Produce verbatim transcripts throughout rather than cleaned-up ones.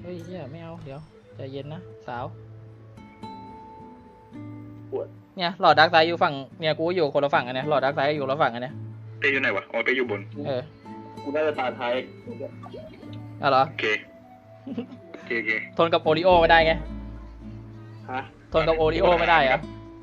เฮ้ยเฮียไม่เอาเดี๋ยวใจเย็นนะสาวปวดเนี่ยหลอดดักไซด์อยู่ฝั่งเนี่ยกูอยู่คนละฝั่งกันเนี่ยหลอดดักไซด์อยู่คนละฝั่งกันเนี่ยเต้อยู่ไหนวะอ๋อเต้อยู่บนเออกูน่าจะตาท้ายอ๋อเหรอโอเคโอเคโอเคทนกับโอริโอไม่ได้ไงฮะทนกับโอริโอไม่ได้เหรอ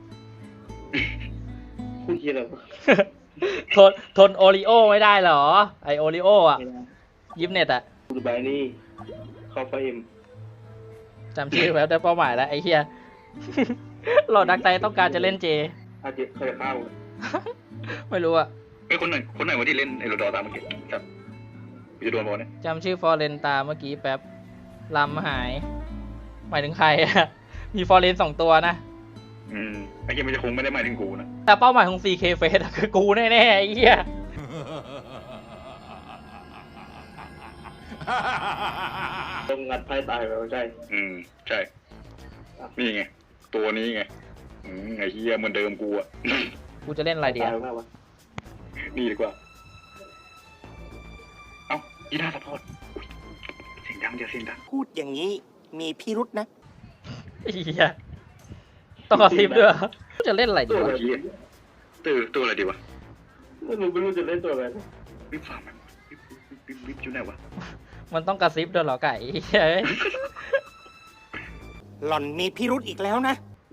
พูดเยอะเลยทนทนโอริโอไม่ได้เหรอไอโอริโออ่ะยิปเน็ตอ่ะกูดูใบนี่เข้าไฟเอ็มจำชื่อแล้วได้เป้าหมายแล้วไอ้เฮียหลอดดักไซด์ต้องการจะเล่นเจอาจจะเคยเข้าไม่รู้อ่ะเฮ้ยคนไหนคนไหนวะที่เล่นไอ้โรดอตามเมื่อกี้ครับกูจะโดนบอลเนี่ยจำชื่อฟอร์เรนตาเมื่อกี้แป๊บลำหายหมายถึงใครอ่ะมีฟอร์เรนสองตัวนะอืมไอ้เหี้ยมันจะคงไม่ได้หมายถึงกูนะแต่เป้าหมายของ ซี เค Face คือกูแน่ๆไอ้เหี้ยต้องงัดไพ่ตายไปใช่อืมใช่นี่ไงตัวนี้ไงอืมไอ้เหี้ยเหมือนเดิมกูอ่ะกูจะเล่นอะไรดีอ่ะนี่ดีกว่าเอ้ากีฬาสปอร์ตเสียงดังเดี๋ยวเสียงดังพูดอย่างนี้มีพิรุษนะไอ้เหี้ยต้องกระซิบด้วยจะเล่นอะไรดีวะตัวตัวอะไรดีวะไม่รู้ไม่รู้จะเล่นตัวอะไรวิบฟาร์มวิบวิบวิบอยู่ไหนวะมันต้องกระซิบด้วยเหรอไก่เฮ้ยหล่อนมีพิรุษอีกแล้วนะ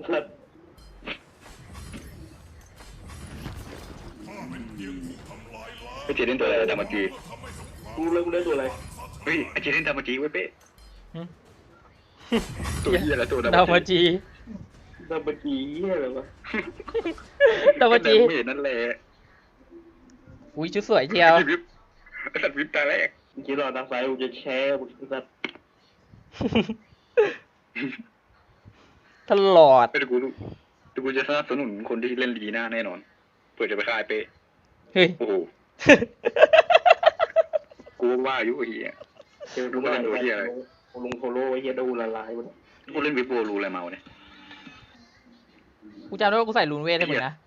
ไอเจเล่นตัวอะไรดามาจีกูเล่นกูเล่นตัวอะไรเฮ้ยไอเจเล่นดามาจีไว้เป๊ะตัวเหี้ยอะไรตัวดามาจีดามาจีอะไรวะดามาจีไม่เห็นนั่นแหละอุ้ยชุดสวยเชียววิบสัตว์วิบตาแรกเมื่อกี้เราทางซ้ายกูจะแช่บุกสัตว์ตลอดไปดูกูดูกูจะสนับสนุนคนที่เล่นลีน่าแน่นอนเพื่อจะไปคายเป๊ะเฮ้ยโอ้โหกูว่าอยู่เฮียเจอดูอะไรตัวเฮียอะไรลงโทโร่เฮียดูละลายหมดกูเล่นวิบโบรูอะไรมาเนี่ยกูจำได้ว่ากูใส่ลูนเวทให้มึงนะ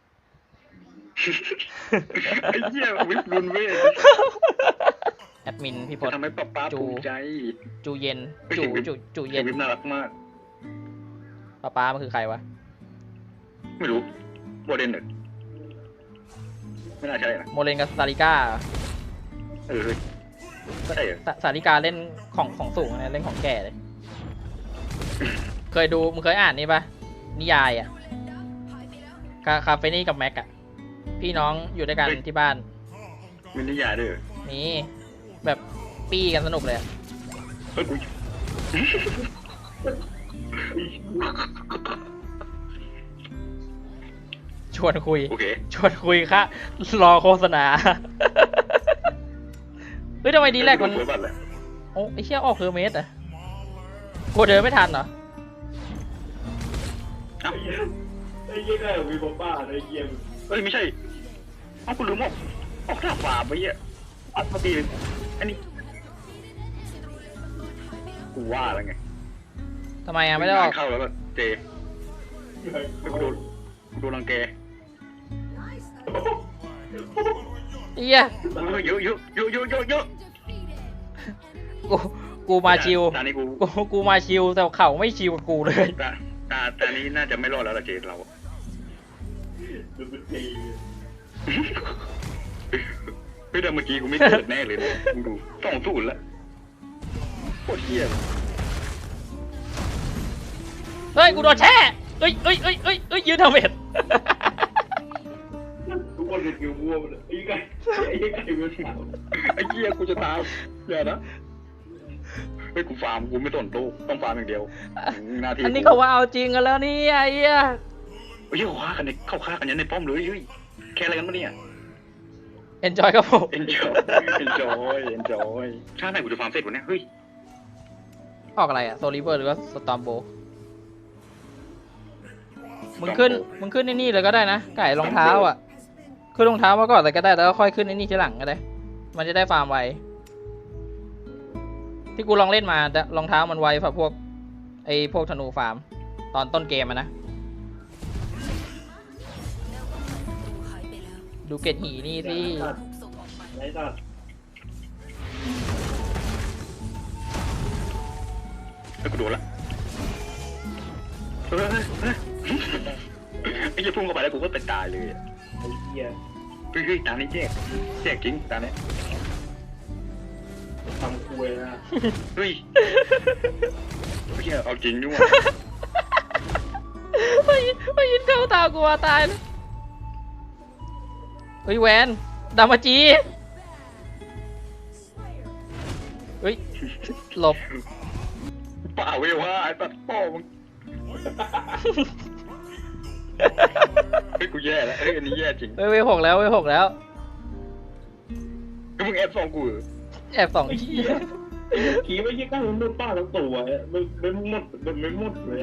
ไอ้เหี้ยวิบลูนเวทแอดมินพี่พลทำให้ป๊าป๊าภูมิใจจูเย็นจูจูจูเย็นวิบน่ารักมากป๊าป๊ามันคือใครวะไม่รู้โมเดนเนอร์ไม่น่าใช่นะโมเลนกับซาริก้าเออใช่เหรอซาริกาเล่นของของสูงนะเล่นของแก่เลยเคยดูมึงเคยอ่านนี่ปะนิยายอ่ะคาเฟนี่กับแม็กอะพี่น้องอยู่ด้วยกันที่บ้านมีนิยายด้วยมีแบบปี้กันสนุกเลยเฮ้ยกูชวนคุย okay. ชวนคุยค่ะรอโฆษณาเฮ้ยทำไมดีแรกมันโอ้ไอเชี่ยออกคือเมสอะกูเดินไม่ทันเหรอไอ้เหี้ยได้มีบ้าบ้าไอ้เหี้ยเฮ้ยไม่ใช่เอ้ากูลืมออกออกท่าฝ่าไปเหี้ยอัดมาตีอันนี้กูว่าแล้วไงทำไมอ่ะไม่ได้ออกเข้าแล้วก็เจกูโดนกูโดนรังแกเอี้ยเยอะเยอะเยอะเยอะเยอะเยอะกูกูมาชิวตอนนี้กูกูมาชิวแต่เขาไม่ชิวกับกูเลยตาตาตานี้น่าจะไม่รอดแล้วละเจเราดูเป็นตีเฮ้ยแต่เมื่อกี้กูไม่เกิดแน่เลยเนี่ยมึงดูสองศูนย์ละโคตรเหี้ยเฮ้ยกูโดนแช่เฮ้ยเฮ้ยเฮ้ยเฮ้ยเฮ้ยยืนทำเบ็ดทุกคนเห็นกิวมั่วหมดเลยไอ้ไก่ไอ้ไก่เวลสามไอ้เหี้ยกูจะตายอย่านะเฮ้ยกูฟาร์มกูไม่สนตู้ต้องฟาร์มอย่างเดียวนาทีอันนี้เขาว่าเอาจริงกันแล้วนี่ไอ้เหี้ยเฮ้ยเขาฆ่ากันในเขาฆ่ากันยันในป้อมเลยเฮ้ยแค่อะไรกันวะเนี่ย enjoy ครับผม enjoy enjoy enjoy ชาติไหนกูจะฟาร์มเสร็จวะเนี่ยเฮ้ยออกอะไรอะโซลิเวอร์หรือว่าสตอมโบมึงขึ้นมึงขึ้นในนี่เลยก็ได้นะไก่รองเท้าอ่ะขึ้นรองเท้ามาก่อนเลยก็ได้แล้วก็ค่อยขึ้นในนี่ทีหลังก็ได้มันจะได้ฟาร์มไวที่กูลองเล่นมารองเท้ามันไวกว่าพวกไอ้พวกธนูฟาร์มตอนต้นเกมอะนะดูเกตหีนี่สิแล้วกูโดนละเฮ้ยเฮ้ยไอ้เหี้ยพุ่งเข้าไปแล้วกูก็เป็นตายเลยไอ้เหี้ยเฮ้ยเฮ้ยตานี้แจกแจกจริงตาเนี้ยทำคุยนะเฮ้ยเหี้ยเอาจริงด้วยไม่ไม่ยินเข้าตากูว่าตายเลยเฮ้ยแวนดามาจีเฮ้ยหลบเปล่าเว้ยว่าไอ้ตัดพ่อมึงเฮ้ยกูแย่แล้วเฮ้ยอันนี้แย่จริงเฮ้ยเวหกแล้วเวหกแล้วก็มึงแอบส่องกูเหรอแอบสองไอ้ทีเหี้ยขี่ไม่ใช่ก้าวมันมุดป้าทั้งตัวมันมันมุดมันไม่มุดเลย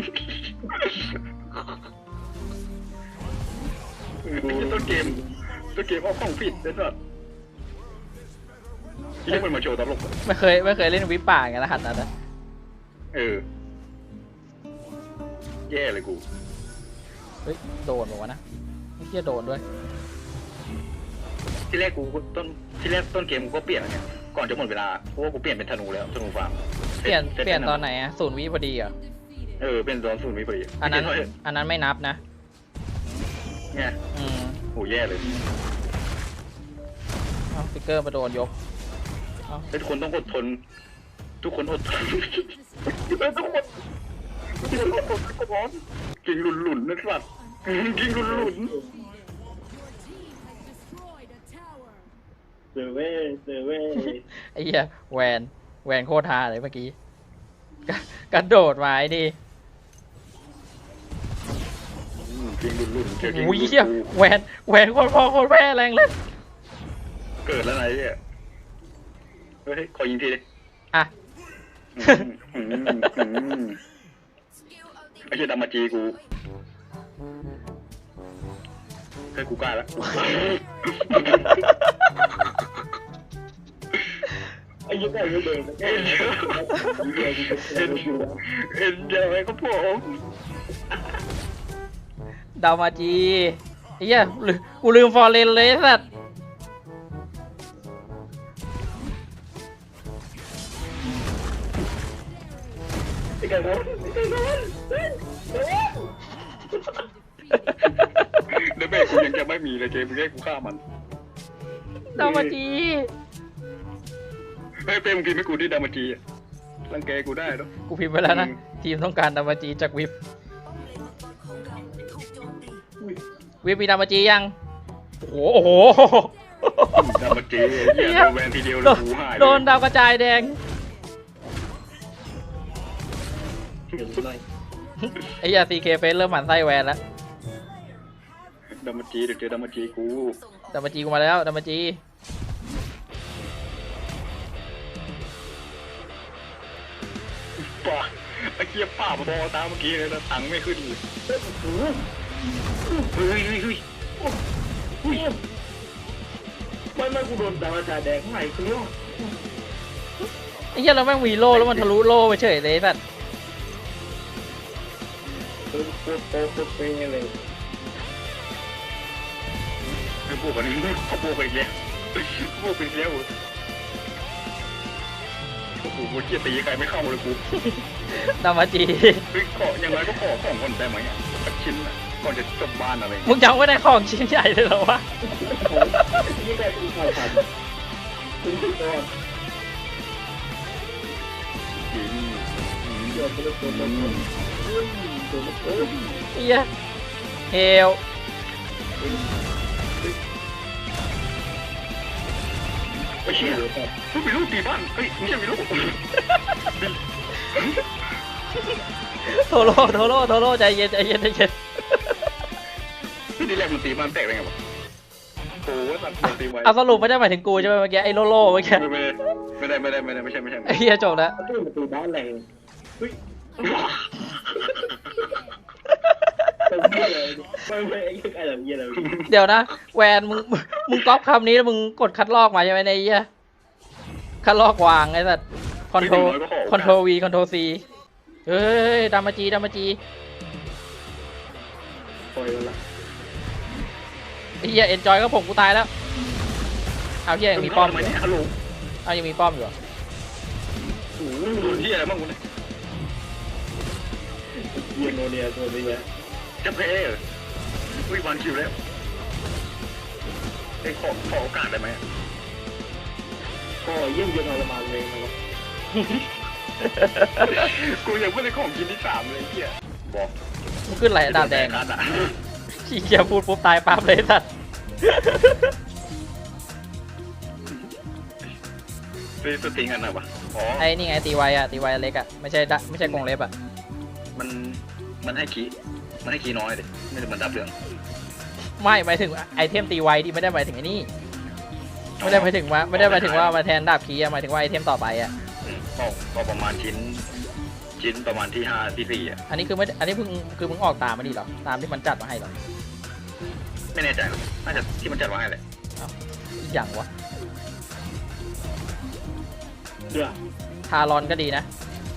ไอ้เหี้ยต้นเกมต้นเกมเอาของผิดไอ้สัสที่มันมาโชว์ตลกอะไม่เคยไม่เคยเล่นวิปป่าไงรหัสนั้นนะเออแย่เลยกูเฮ้ยโดนบอกว่าวะนะไม่เชี่ยโดนด้วยที่แรกกูต้นที่แรกต้นเกมกูก็เปลี่ยนแล้วเนี่ยก่อนจะหมดเวลาเพราะว่ากูเปลี่ยนเป็นธนูแล้วธนูฟาร์มเปลี่ยนซ็เปลี่ยนซ็ตอนไหนอะศูนย์วิพอดีเหรอเออเป็นตอนศูนย์วิพอดีอันนั้นไม่ใช่อันนั้นไม่นับนะเนี่ยอืมโหแย่เลยเอาฟิกเกอร์มาโดนยกเอาทุกคนต้องอดทน ทุกคนอดทนทุกคนทุกคนอดทนกินหลุนหลุนนะสัตว์กินหลุนหลุนเซเว่เซเว่ไอ้เหี้ยแวนแวนโคตรฮาเลยเมื่อกี้กระกระโดดมาไอ้นี่กินหลุนหลุนเจอกินโอ้ยเหี้ยแวนแวนโคตรพ่อโคตรแม่แรงเลยเกิดแล้วไงเนี่ยเฮ้ยขอยิงทีดิอ่ะอืมอืมอืมไอ้เหี้ยดามาจีกูเฮ้ยกูกล้าแล้วไอ้ยี่ห้อนี้เดินเอ็นเอ็นเอ็นเอ็นเจอไหมครับผมดาวมาจีไอ้เหี้ยลืมกูลืมฟอร์เรนเลยไอ้สัตว์ไอ้ไก่บอลไอ้ไก่บอลเดยวเบรกกูยังจะไม่มีเลยเจมึงให้กูฆ่ามันดาวมาจีเฮ้ยเป้มึงพิมพ์ให้กูที่ดามาจีอะรังแกกูได้เนาะกูพิมพ์ไปแล้วนะอืมทีมต้องการดาวมาจีจากวิปวิปมีดาวมาจียังโอ้โหโอ้โหดามาจีเหี้ยโดนแวนทีเดียวเลโดยนกูหายเลยโดนดาวกระจายแดงเดี๋ยวหน่อยไอ้เหี้ยซีเคเฟสเริ่มหมั่นไส้แวนแล้วดามาจีเดี๋ยวเจอดามาจีกูดาวมาจีกูมาแล้วดาวมาจีป่าไอ้เหี้ยป่าบอตามเมื่อกี้เลยนะตังค์ไม่ขึ้นเลยเฮ้ยเฮ้ยเฮ้ยไม่ไม่กูโดนดาวจาแดงใหม่กูเนี่ยไอ้เหี้ยเราแม่งมีโล่แล้วมันทะลุโล่ไปเฉยเลยไอ้สัตว์โคตรโคตรโคตรโคตรเป๊ะเลยไอ้พวกอันนี้เขาพวกไปอีกแล้วพวกไปอีกแล้วโอ้โหกูเกียตีใครไม่เข้าเลยกูดาวมาจีเฮ้ยขออย่างไรก็ขอของคนได้ไหมอ่ะสักชิ้นอ่ะก่อนจะจบบ้านอะไรอย่างมึเงี้ยงยังไม่ได้ของชิ้นใหญ่เลยเหรอวะยี่ไก่กูขาดขาดคุณพี่ก่อนอืมอืมเดี๋ยวกูจะโดนโดนโดนโดนโดนเหี้ยเฮลไอ้เชี่ยมึงมีลูกตีบ้านเฮ้ยมึงจะมีลูกโทโร่โทโร่โทโร่ใจเย็นใจเย็นใจเย็นที่นี่แรกมันตีบ้านแตกได้ไงวะโอ้โหตัดมันตีไว้เอาสรุปไม่ได้หมายถึงกูใช่ไหมเมื่อกี้ไอ้โลโล่เมื่อกี้ไม่ได้ไม่ได้ไม่ได้ไม่ได้ไม่ใช่ไม่ใช่ไอ้เหี้ยจบแล้วประตูประตูบ้านแรงเฮ้ยเป็นเหี้ยเลยไม่ไม่ไอ้ไก่แบบเหี้ยเลยเดี๋ยวนะแวนมึงมึงก๊อปคำนี้แล้วมึงกดคัดลอกมาใช่ไหมในไอ้เหี้ยคัดลอกวางไอ้สัตว์คอนโทรคอนโทรวีคอนโทรซีเฮ้ยดามาจีดามาจีปล่อยละไอ้เหี้ยเอ็นจอยก็ผมกูตายแล้วเอาเหี้ยยังมีป้อมอทำไมยู่เนี่ยฮัลโหลเอายังมีป้อมอยู่เหรอโอ้โหโดนที่อะไรบ้างกูเนี่ยเยียโนเนียตัวนี้จะแพ้เหรออุ้ยวันคิวแล้วไอ้ขอขอโอกาสได้ไหมก็เยี่ยมเยียนทรมานเลยนะครับกูยังไม่ได้ของกินที่สามเลยเฮียบอกมึงขึ้นไหลดาบแดงนัดอ่ะขี้เกียจพูดปุ๊บตายปั๊บเลยสัตว์ซื้อสติงกันหน่อยวะอ๋อไอ้นี่ไงตีไวอะตีไวเล็กอะไม่ใช่ดะไม่ใช่กรงเล็บอะมันมันให้คีมันให้คีน้อยเลยไม่ได้มันดับเรื่องไม่หมายถึงไอเทมตีไวที่ไม่ได้หมายถึงไอ้นี่ไม่ได้หมายถึงว่าไม่ได้หมายถึงว่ามาแทนดาบคีอะหมายถึงว่าไอเทมต่อไปอะอืมก็ก็ประมาณชิ้น ชิ้นประมาณที่ห้าที่สี่อ่ะอันนี้คือไม่อันนี้เพิ่งคือมึงออกตามมาดิเหรอตามที่มันจัดมาให้เหรอไม่แน่ใจหรอกน่าจะที่มันจัดไว้ให้แหละอีกอย่างวะเดือดทารอนก็ดีนะ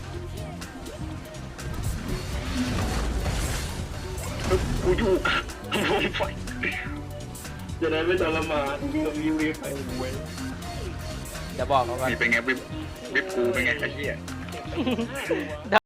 กูอยู่กับวงไฟจะได้ไม่ทรมานก็วิววิวไปเว้ยจะบอกเขาว่านี่เป็นไงวิบวิบกูเป็นไงไอ้เหี้ยด